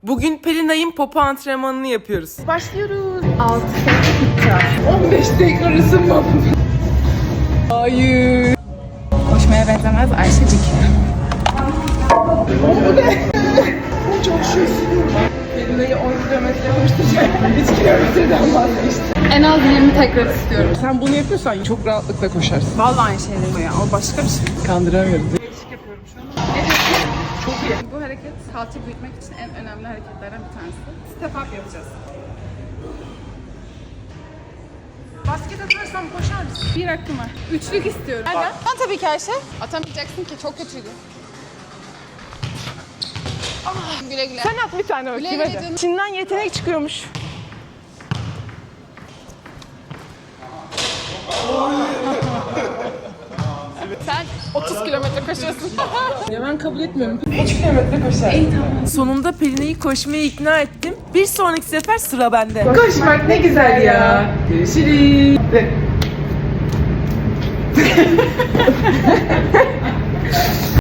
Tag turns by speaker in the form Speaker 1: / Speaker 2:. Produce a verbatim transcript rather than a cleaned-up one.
Speaker 1: Bugün Pelinay'ın popo antrenmanını yapıyoruz. Başlıyoruz.
Speaker 2: altı saat iddia.
Speaker 1: on beş dakika ısınma. Hayır.
Speaker 2: Koşmaya benzemez Ayşecik.
Speaker 1: Bu ne? Çok şey Pelinay'ı on kilometre koşturacak. üç kilometreden vazgeçti.
Speaker 2: En az yirmi tekrar istiyorum.
Speaker 1: Sen bunu yapıyorsan çok rahatlıkla koşarsın.
Speaker 2: Vallahi aynı şey değil o ya. O başka bir şey.
Speaker 1: Kandıramıyoruz.
Speaker 2: Bu hareket kalça büyütmek için en önemli hareketlerden bir tanesi. Step up yapacağız. Basket atarsam koşar mısın? Bir hakkım var. Üçlük istiyorum. Nereden? Ben tabii ki Ayşe. Atamayacaksın ki çok kötüydü. Ah, güle güle.
Speaker 1: Sen at bir tane
Speaker 2: Güle
Speaker 1: bakayım
Speaker 2: güle
Speaker 1: hadi.
Speaker 2: canım.
Speaker 1: İçinden yetenek çıkıyormuş.
Speaker 2: Sen otuz kilometre koşuyorsun.
Speaker 1: Ya ben kabul etmiyorum. üç kilometre koşar. İyi tamam. Sonunda Pelina'yı koşmaya ikna ettim. Bir sonraki sefer sıra bende. Koşmak ne güzel ya. Görüşürüz.